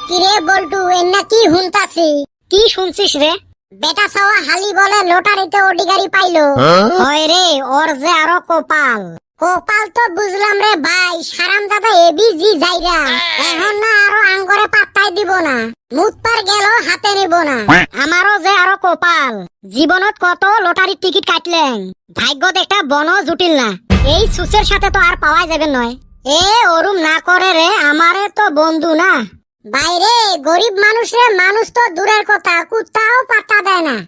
কিরে বল্টু এন্না কি হুনতাছি? কি শুনছিস রে? বেটা সাওয়া হালি বলে লটারিতে ওডি গাড়ি পাইলো। হয় রে, ওর যে আরো কপাল। কপাল তো বুঝলাম রে ভাই, হারামজাদা এবিজি যাইরা এখন না আরো আঙ্গরে পাত্তাই দিব না, মুতপার গেল হাতে নিব না। আমারও যে আরো কপাল, জীবনত কত লটারি টিকিট কাটলেন, ভাগ্য একটা বন জুটিল না। এই সুসের সাথে তো আর পাওয়া যাবে নয়। এ ওরুম না করে রে, আমারে তো বন্ধু না। বাইরে গরিব মানুষে মানুষ তো দূরের কথা, কুত্তাও পাত্তা দেয় না।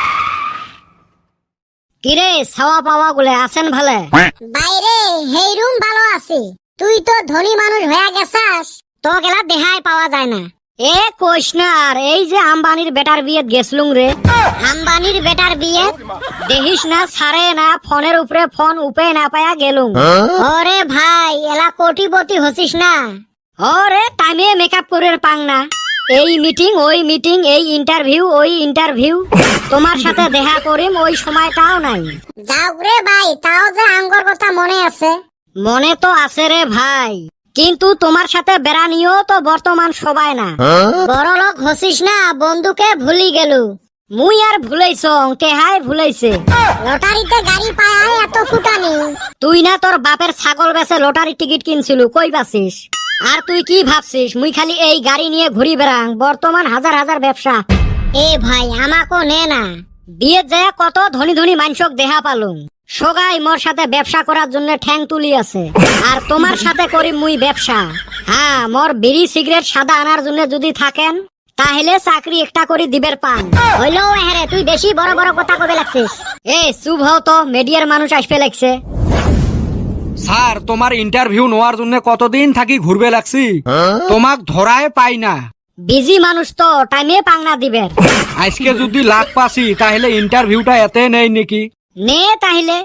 কিরে ছাওয়া পাওয়া গুলে আছেন ভালে? বাইরে হেই রুম ভালো আছে, তুই তো ধনী মানুষ হয়ে গেছাস, তো গেলা দেহাই পাওয়া যায় না। এ কইস না আর, এই যে আম্বানির বেটার বিয়েত গেছলুম রে। আম্বানির বেটার বিয়ে দেখিস না, ছাড়ে না, ফোনের উপরে ফোন উপে না পায়া গেলুম। ওরে ভাই এলা কোটিপতি হছিস না? ওরে টাইমে মেকআপ করে পাং না, এই মিটিং ওই মিটিং, এই ইন্টারভিউ ওই ইন্টারভিউ, তোমার সাথে দেখা করিম ওই সময়টাও নাই। যাও রে ভাই, তাও যে আঙ্গর কথা মনে আছে। মনে তো আছে রে ভাই, কিন্তু তোমার সাথে বেড়ানিও তো বর্তমান সবাই না। বড় লোক হসিস না, বন্ধুকে ভুলি গেল। মুই আর ভুলাইছ, টেহাই ভুলাইছে। লটারিতে গাড়ি পায় এত ফুটানি। তুই না তোর বাপের ছাগল বেচে লটারি টিকিট কিনছিল, কই পাছিস? আর তুই কি ভাবছিস মুই খালি এই গাড়ি নিয়ে ঘুরি বেড়াং? বর্তমান হাজার হাজার ব্যবসা। এ ভাই আমাকো নে না, বিয়ে যায় কত ধনী ধনী মানুষক দেহা পালুম, সগাই মোর সাথে ব্যবসা করার জন্য ঠ্যাং তুলি আছে। আর তোমার সাথে করি মুই ব্যবসা। হ্যাঁ, মোর বিড়ি সিগারেট সাদা আনার জন্য যদি থাকেন, তাহলে চাকরি একটা করে দিবের পান হইলো। হ্যাঁ তুই বেশি বড় বড় কথা কবে লাগছিস। এ চুপ হও তো, মিডিয়ার মানুষ আসবে লাগছে। স্যার, তোমার ইন্টারভিউ নেওয়ার জন্য কতদিন থাকি ঘুরবে লাগছি, তোমাক ধরায় পাই না। বিজি মানুষ তো, টাইমে পাংনা দিবের। আজকে যদি লাখ পাসি তাহলে ইন্টারভিউটা এতে নেই নাকি? নে তাহলে।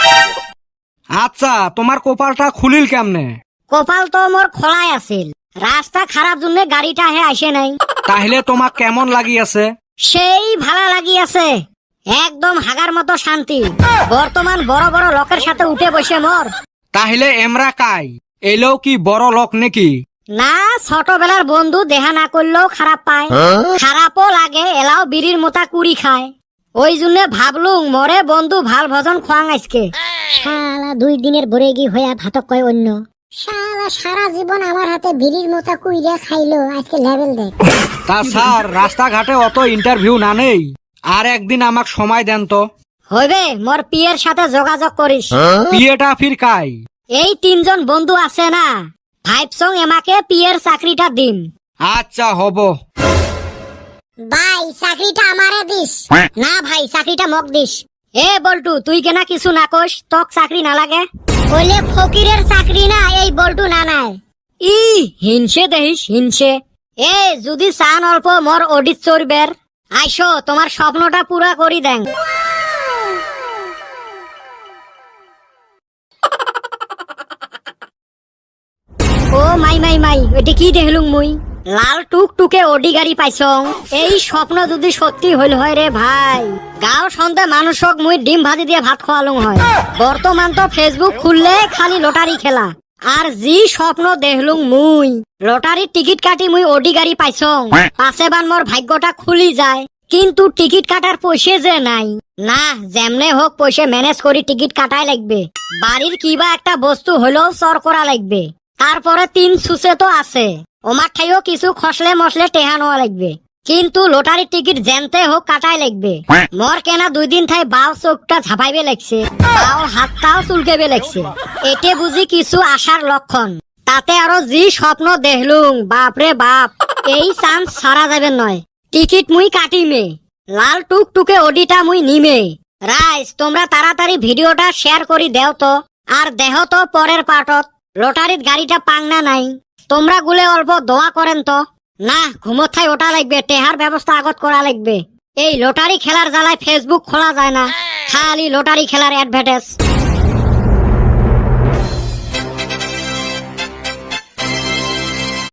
আচ্ছা, তোমার কপালটা খুলিল কেমনে? কপাল তো মোর খোলাই আছিল, রাস্তা খারাপ জন্য গাড়িটা হে আসে নাই। তাহলে তোমাক কেমন লাগি আছে? সেই ভালো লাগি আছে, একদম হাগার মতো শান্তি। বর্তমান বড় বড় লোকের সাথে উঠে বসে মোর। তাহলে এমরা কাই এলেও কি বড় লোক নাকি? না, ছোটবেলার বন্ধু দেখা না করলেও খারাপ পায়, খারাপও লাগে, এলাও বিড়ির মোতা কুড়ি খায়। ওই জন্য ভাবলুম মরে বন্ধু ভাল ভজন খোয়াং আজকে। শালা 2 দিনের বরে গি হইয়া ভাতক কয় অন্য। শালা সারা জীবন আমার হাতে বিড়ির মোতা কুইরা খাইলো, আজকে লেভেল দেখ। তা স্যার, রাস্তাঘাটে অত ইন্টারভিউ না নেই, আর একদিন আমাক সময় দেন তো। হইবে, মোর পিয়ের সাথে যোগাযোগ করিস। বিয়েটা ফির কাই? এই 3 জন বন্ধু আছে না, ভাইবসং এমাকে পিয়ের চাকরিটা দিম। আচ্ছা হব। ভাই চাকরিটা আমারে দিস। না ভাই, চাকরিটা মক দিস। এ বল্টু, তুই কেনা কিছু না কইস, তক চাকরি না লাগে? কইলে ফকিরের চাকরি না, এই বল্টু না নাই। ই হিংসে দেহিস, হিংসে। এ যদি চান অল্প মোর অডিট চড়বের, আইসো তোমার স্বপ্নটা পুরা করি দেন। ও মাই মাই মাই, ওইটা কি দেখলুম মুই? লাল টুক টুকে ওডি গাড়ি পাইছং। এই স্বপ্ন যদি সত্যি হইল হয় রে ভাই, গাঁও সন্ধে মানুষক মুই ডিম ভাজি দিয়ে ভাত খাওয়ালুম হয়। বর্তমান তো ফেসবুক খুললে খালি লটারি খেলা। আর জি স্বপ্ন দেখলুম মুই, লটারির টিকিট কাটি মুই ওডি গাড়ি পাইছং, পাশে বান মোর ভাগ্যটা খুলি যায়। কিন্তু টিকিট কাটার পয়সা যে নাই। না, যেমনে হোক পয়সা ম্যানেজ করি টিকিট কাটাই লাগবে। বাড়ির কিবা একটা বস্তু হলেও চর করা লাগবে। তারপরে 3 সুসে তো আছে, ওমার ঠাইও কিছু খসলে মশলে টেহা নেওয়া লাগবে। কিন্তু লটারির টিকিট জেনতে হোক কাটাই লাগবে। মোর কেনা 2 দিন থাই বাও চোখটা ঝাপাইবে লাগছে, বাও হাতটাও চুলকেবে লাগছে। এতে বুঝি কিছু আশার লক্ষণ। তাতে আরো জি স্বপ্ন দেখলুম, বাপরে বাপ, এই চান্স ছাড়া যাবে নয়। টিকিট মুই কাটিমে, লাল টুক টুকে ওডিটা মুই নিমে। রাইস, তোমরা তাড়াতাড়ি ভিডিওটা শেয়ার করি দেও তো, আর দেহ তো পরের পার্টত লটারির গাড়িটা পাংনা নাই। তোমরা গুলে অল্প দোয়া করেন তো। না, ঘুমোথায় ওটা লাগবে, টেহার ব্যবস্থা আগত করা লাগবে। এই লটারি খেলার জ্বালায় ফেসবুক খোলা যায় না, খালি লটারি খেলার অ্যাডভার্টাইজ।